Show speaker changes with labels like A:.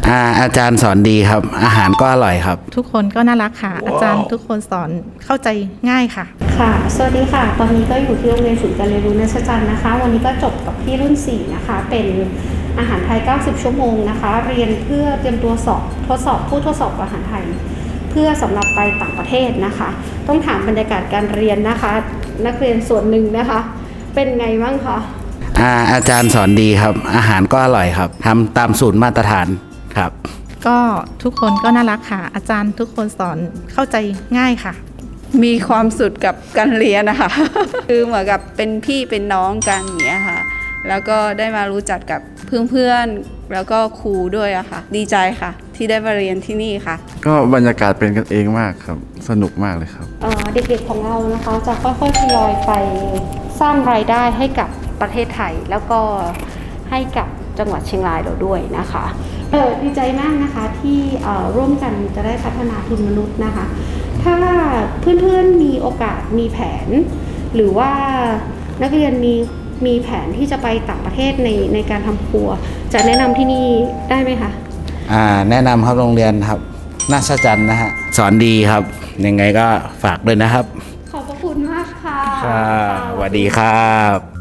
A: อาจารย์สอนดีครับอาหารก็อร่อยครับ
B: ทุกคนก็น่ารักค่ะ อาจารย์ทุกคนสอนเข้าใจง่ายค่ะ
C: ค่ะสวัสดีค่ะตอนนี้ก็อยู่ที่โรงเรียนศูนย์การเรียนรู้นัชจันทร์นะคะวันนี้ก็จบกับที่รุ่น4นะคะเป็นอาหารไทย90ชั่วโมงนะคะเรียนเพื่อเตรียมตัวสอบทดสอบผู้ทดสอบอาหารไทยเพื่อสำหรับไปต่างประเทศนะคะต้องถามบรรยากาศการเรียนนะคะนักเรียนส่วนหนึ่งนะคะเป็นไงบ้างคะ
A: อาจารย์สอนดีครับอาหารก็อร่อยครับทำตามสูตรมาตรฐานครับ
B: ก็ทุกคนก็น่ารักค่ะ อาจารย์ทุกคนสอนเข้าใจง่ายค่ะ
D: มีความสุขกับการเรียนนะคะ คือเหมือนกับเป็นพี่เป็นน้องกันอย่างเงี้ยค่ะแล้วก็ได้มารู้จักกับเพื่อนๆแล้วก็ครูด้วยอะค่ะดีใจค่ะที่ได้มาเรียนที่นี่ค่ะ
E: ก็บรรยากาศเป็นกันเองมากครับสนุกมากเลยครับ
C: เด็กๆของเรานะคะจะค่อยๆทยอยไปสร้างรายได้ให้กับประเทศไทยแล้วก็ให้กับจังหวัดเชียงรายเราด้วยนะคะดีใจมากนะคะที่ร่วมกันจะได้พัฒนาทุนมนุษย์นะคะถ้าเพื่อนๆมีโอกาสมีแผนหรือว่านักเรียนมีแผนที่จะไปต่างประเทศในการทำครัวจะแนะนำที่นี่ได้ไหมคะ
A: แนะนำครับโรงเรียนครับนัชจันทร์นะฮะสอนดีครับยังไงก็ฝากด้วยนะครับ
C: ขอบพระคุณมากค่ะ
A: สวัสดีครับ